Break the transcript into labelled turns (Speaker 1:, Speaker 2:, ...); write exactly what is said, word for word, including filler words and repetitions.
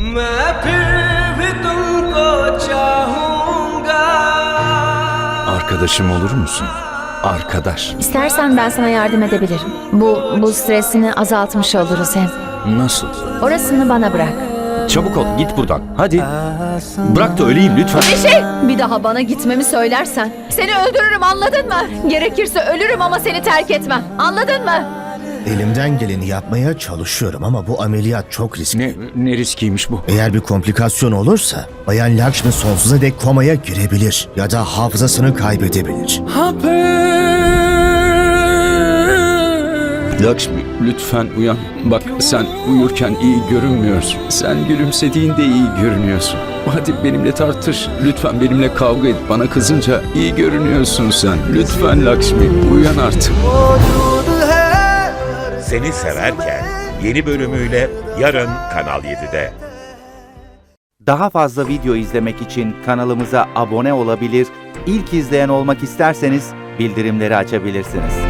Speaker 1: मैं फिर भी तुमको चाहूंगा.
Speaker 2: Arkadaşım olur musun? Arkadaş.
Speaker 3: İstersen ben sana yardım edebilirim. Bu, bu stresini azaltmış oluruz hem.
Speaker 2: Nasıl?
Speaker 3: Orasını bana bırak.
Speaker 2: Çabuk ol, git buradan. Hadi. Bırak da öleyim lütfen.
Speaker 3: Bir şey! Bir daha bana gitmemi söylersen seni öldürürüm, anladın mı? Gerekirse ölürüm ama seni terk etmem. Anladın mı?
Speaker 4: Elimden geleni yapmaya çalışıyorum ama bu ameliyat çok riskli.
Speaker 2: Ne, ne riskiymiş bu?
Speaker 4: Eğer bir komplikasyon olursa Bayan Lakshmi sonsuza dek komaya girebilir ya da hafızasını kaybedebilir.
Speaker 2: Lakshmi, lütfen uyan. Bak, sen uyurken iyi görünmüyorsun. Sen gülümsediğinde iyi görünüyorsun. Hadi benimle tartış. Lütfen benimle kavga et. Bana kızınca iyi görünüyorsun sen. Lütfen Lakshmi, uyan artık.
Speaker 5: Seni Severken yeni bölümüyle yarın Kanal yedide.
Speaker 6: Daha fazla video izlemek için kanalımıza abone olabilir, ilk izleyen olmak isterseniz bildirimleri açabilirsiniz.